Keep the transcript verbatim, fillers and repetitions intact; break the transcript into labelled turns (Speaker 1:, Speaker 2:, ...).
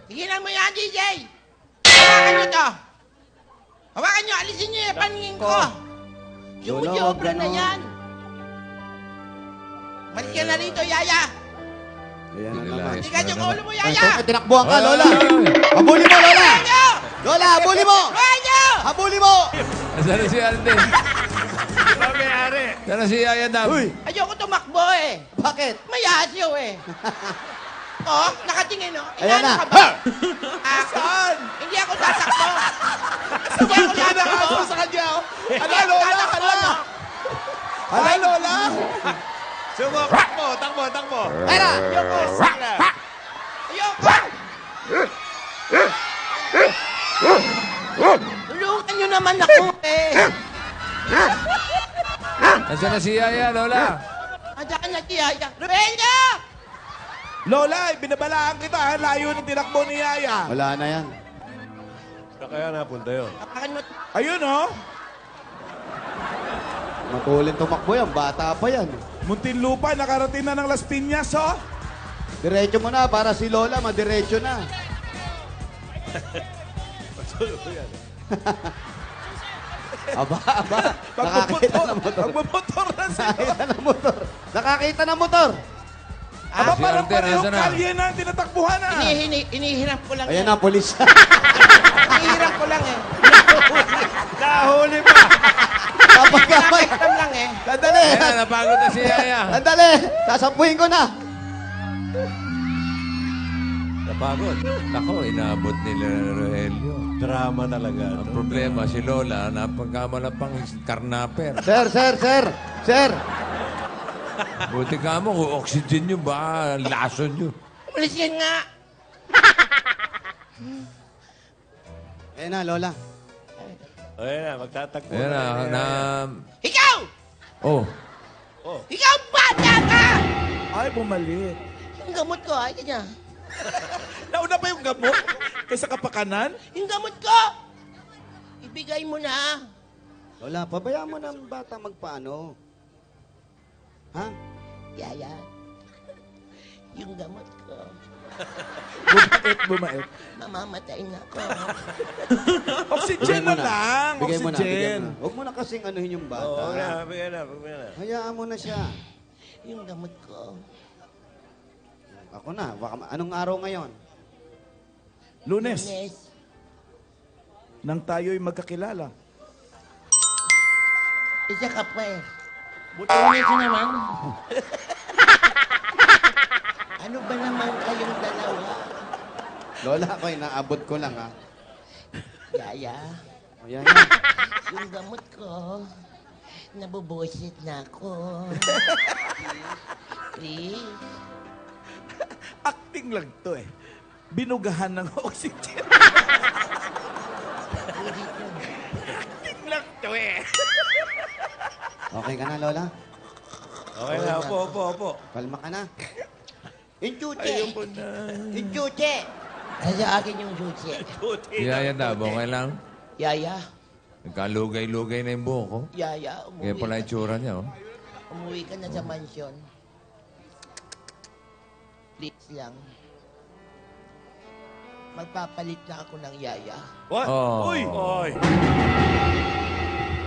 Speaker 1: Tigilan mo yan, D J! Hawakan nyo to! Hawakan nyo, alisin nyo yung paningin ko! Sumusobra na yan! Malis ka na rito, Yaya!
Speaker 2: Ayan na naman.
Speaker 1: Tigan yung ulo mo,
Speaker 2: Ay,
Speaker 1: Yaya!
Speaker 2: ito, tinakbuhan ka, Lola! Habulin mo, Lola!
Speaker 1: Hawakan nyo!
Speaker 2: Lola, habulin mo!
Speaker 1: Hawakan nyo!
Speaker 2: Habulin mo!
Speaker 3: Nasaan na si Alden?
Speaker 4: Ano may-ari?
Speaker 3: Nasaan na si Yaya Dam?
Speaker 2: Uy!
Speaker 1: Ayoko tumakbo eh!
Speaker 2: Bakit?
Speaker 1: May asyo eh! Oh, nakatingin oh.
Speaker 2: Ayan
Speaker 1: Inaano
Speaker 2: na.
Speaker 1: ka ba? Ako?
Speaker 4: Saan?
Speaker 1: Hindi ako tatakbo. Hindi ako tatakbo.
Speaker 4: sa kanya, oh.
Speaker 1: Hindi
Speaker 4: Hala,
Speaker 1: ako
Speaker 4: Lola,
Speaker 1: tatakbo,
Speaker 4: hala.
Speaker 1: no?
Speaker 4: Hala, Lola. Sumo, takbo, takbo, takbo.
Speaker 2: Tara!
Speaker 1: Ayoko.
Speaker 4: Sala.
Speaker 1: Ayoko. Tulungan nyo naman ako eh.
Speaker 3: Nasaan na si Yaya, Lola?
Speaker 1: Andiyan na si Yaya. Rubenyo!
Speaker 4: Lola, binabalaan kita. ha? Layo ng tinakbo ni Yaya.
Speaker 2: Wala na yan.
Speaker 4: Saan kaya napunta yun?
Speaker 1: Apakan mo.
Speaker 4: Ayun, oh.
Speaker 2: Matulin tumakbo yan. Bata pa yan.
Speaker 4: Muntinlupa, nakarating na ng Las Piñas, oh.
Speaker 2: Diretso mo na para si Lola madiretso na. aba, aba. Nakakita ng motor.
Speaker 4: Magmumotor na siya.
Speaker 2: Nakakita ng motor. Nakakita ng motor.
Speaker 4: Aba,
Speaker 3: Si
Speaker 4: parang
Speaker 3: Alden,
Speaker 4: parehong
Speaker 3: nasa na?
Speaker 4: kalye na ang tinatakbuhan, ah.
Speaker 1: Inihini, inihiram ko lang.
Speaker 2: Ayan
Speaker 1: eh.
Speaker 2: na, polis.
Speaker 1: Inihiram ko lang eh.
Speaker 4: Nahuli pa.
Speaker 2: Kapag-kapag.
Speaker 1: Nakakaitam lang eh.
Speaker 2: Sandali.
Speaker 3: Ayan, napagod na si Yaya.
Speaker 2: Sandali. Sasampuhin ko na.
Speaker 3: Napagod. Ako, inabot nila ng Rogelio.
Speaker 4: Drama talaga.
Speaker 3: Ang problema, si Lola, napagkamala pang karnaper.
Speaker 2: Sir, sir, sir. Sir.
Speaker 3: Buti ka mo, kung oxygen nyo, baka lason nyo.
Speaker 1: Umalis yan nga.
Speaker 2: Ayan na, Lola.
Speaker 4: Ayun na, magtatakbo
Speaker 3: Ayan na,
Speaker 4: ni
Speaker 3: na...
Speaker 4: Yaya.
Speaker 1: Ikaw!
Speaker 3: Oh,
Speaker 1: Ikaw bata ka!
Speaker 4: Ay, bumalik.
Speaker 1: Yung gamot ko, ay kanya.
Speaker 4: Nauna pa yung gamot kaysa kapakanan?
Speaker 1: Yung gamot ko! Ibigay mo na.
Speaker 2: Lola, pabayaan mo na ang bata magpaano. Ha?
Speaker 1: Yaya, yung gamot ko,
Speaker 4: Bumait, bumait.
Speaker 1: mamamatay na ako.
Speaker 4: Oxygen na lang.
Speaker 2: Bigay mo na, bigay
Speaker 4: Oxygen.
Speaker 2: mo na. Huwag mo na kasing anuhin yung bata.
Speaker 4: Oo, na, bigyan na, bigyan na.
Speaker 2: Hayaan mo na siya.
Speaker 1: Yung gamot ko.
Speaker 2: Ako na. Baka, ma- anong araw ngayon?
Speaker 4: Lunes,
Speaker 1: Nes,
Speaker 4: nang tayo'y magkakilala.
Speaker 1: isa ka pa eh. Butunin ko naman. Ano ba naman kayong dalawa?
Speaker 2: Lola, ako inaabot ko lang, ha?
Speaker 1: Yaya,
Speaker 2: O, yan, yan.
Speaker 1: yung gamot ko, nabubusit na ako. Please.
Speaker 4: Acting lang to eh. Binugahan ng oxygen. Acting lang to eh.
Speaker 2: Okay ka na, Lola?
Speaker 4: Okay na, opo, opo, opo.
Speaker 2: Kalma ka na.
Speaker 1: Inchute!
Speaker 4: Ayun po na.
Speaker 1: Inchute! Nasa akin yung chuche.
Speaker 3: si Yaya Dam, okay lang?
Speaker 1: Yaya,
Speaker 3: Nagkalugay-lugay na yung buhok ko.
Speaker 1: Yaya,
Speaker 3: Kaya
Speaker 1: umuwi
Speaker 3: pala
Speaker 1: ka,
Speaker 3: itsura niya, oh.
Speaker 1: umuwi ka na sa mansyon. Please lang. Magpapalit na ako ng yaya.
Speaker 4: What?
Speaker 3: Oh.
Speaker 4: Uy! Uy!